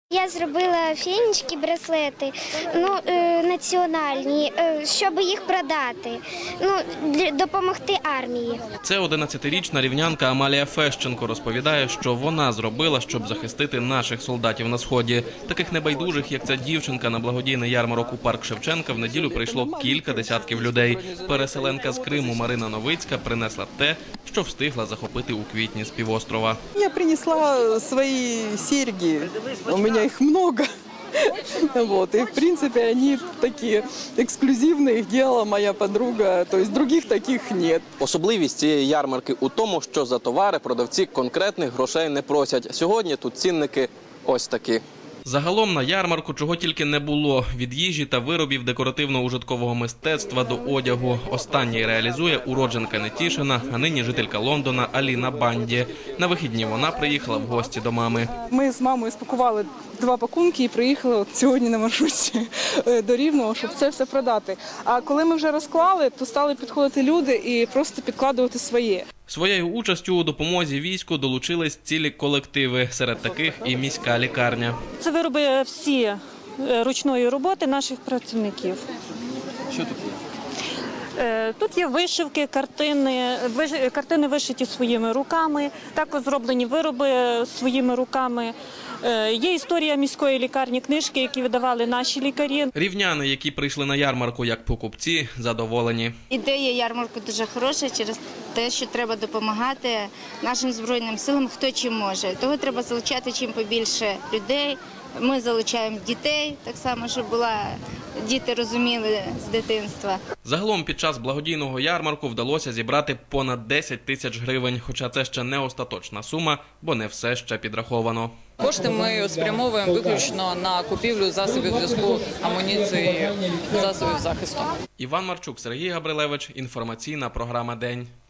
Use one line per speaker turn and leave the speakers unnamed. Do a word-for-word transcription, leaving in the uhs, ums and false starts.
Я зробила фенічки, браслети, ну, е, національні, е, щоб їх продати, ну, для, допомогти армії.
Це одинадцятирічна рівнянка Амалія Фещенко розповідає, що вона зробила, щоб захистити наших солдатів на Сході. Таких небайдужих, як ця дівчинка, на благодійний ярмарок у парк Шевченка в неділю прийшло кілька десятків людей. Переселенка з Криму Марина Новицька принесла те, що встигла захопити у квітні з півострова.
Я принесла свої серьги, у мене их много. Вот. И, в принципе, они такие эксклюзивные, их делала моя подруга, то есть других таких нет.
Особливість цієї ярмарки у тому, що за товари продавці конкретних грошей не просять. Сьогодні тут цінники ось такі.
Загалом на ярмарку чого тільки не було – від їжі та виробів декоративно-ужиткового мистецтва до одягу. Останній реалізує уродженка Нетішина, а нині жителька Лондона Аліна Банді. На вихідні вона приїхала в гості до мами.
Ми з мамою спакували два пакунки і приїхали от сьогодні на маршрутці до Рівного, щоб це все продати. А коли ми вже розклали, то стали підходити люди і просто підкладувати своє.
Своєю участю у допомозі війську долучились цілі колективи, серед таких і міська лікарня.
Це вироби всі ручної роботи наших працівників.
Що тут є?
Тут є вишивки, картини, картини вишиті своїми руками, також зроблені вироби своїми руками. Є історія міської лікарні, книжки, які видавали наші лікарі.
Рівняни, які прийшли на ярмарку як покупці, задоволені.
Ідея ярмарку дуже хороша через те, що треба допомагати нашим Збройним силам, хто чим може. Того треба залучати чим побільше людей. Ми залучаємо дітей, так само, щоб була, діти розуміли з дитинства.
Загалом під час благодійного ярмарку вдалося зібрати понад десять тисяч гривень, хоча це ще не остаточна сума, бо не все ще підраховано.
Кошти ми спрямовуємо виключно на купівлю засобів зв'язку, амуніції, засобів захисту.
Іван Марчук, Сергій Габрилевич. Інформаційна програма «День».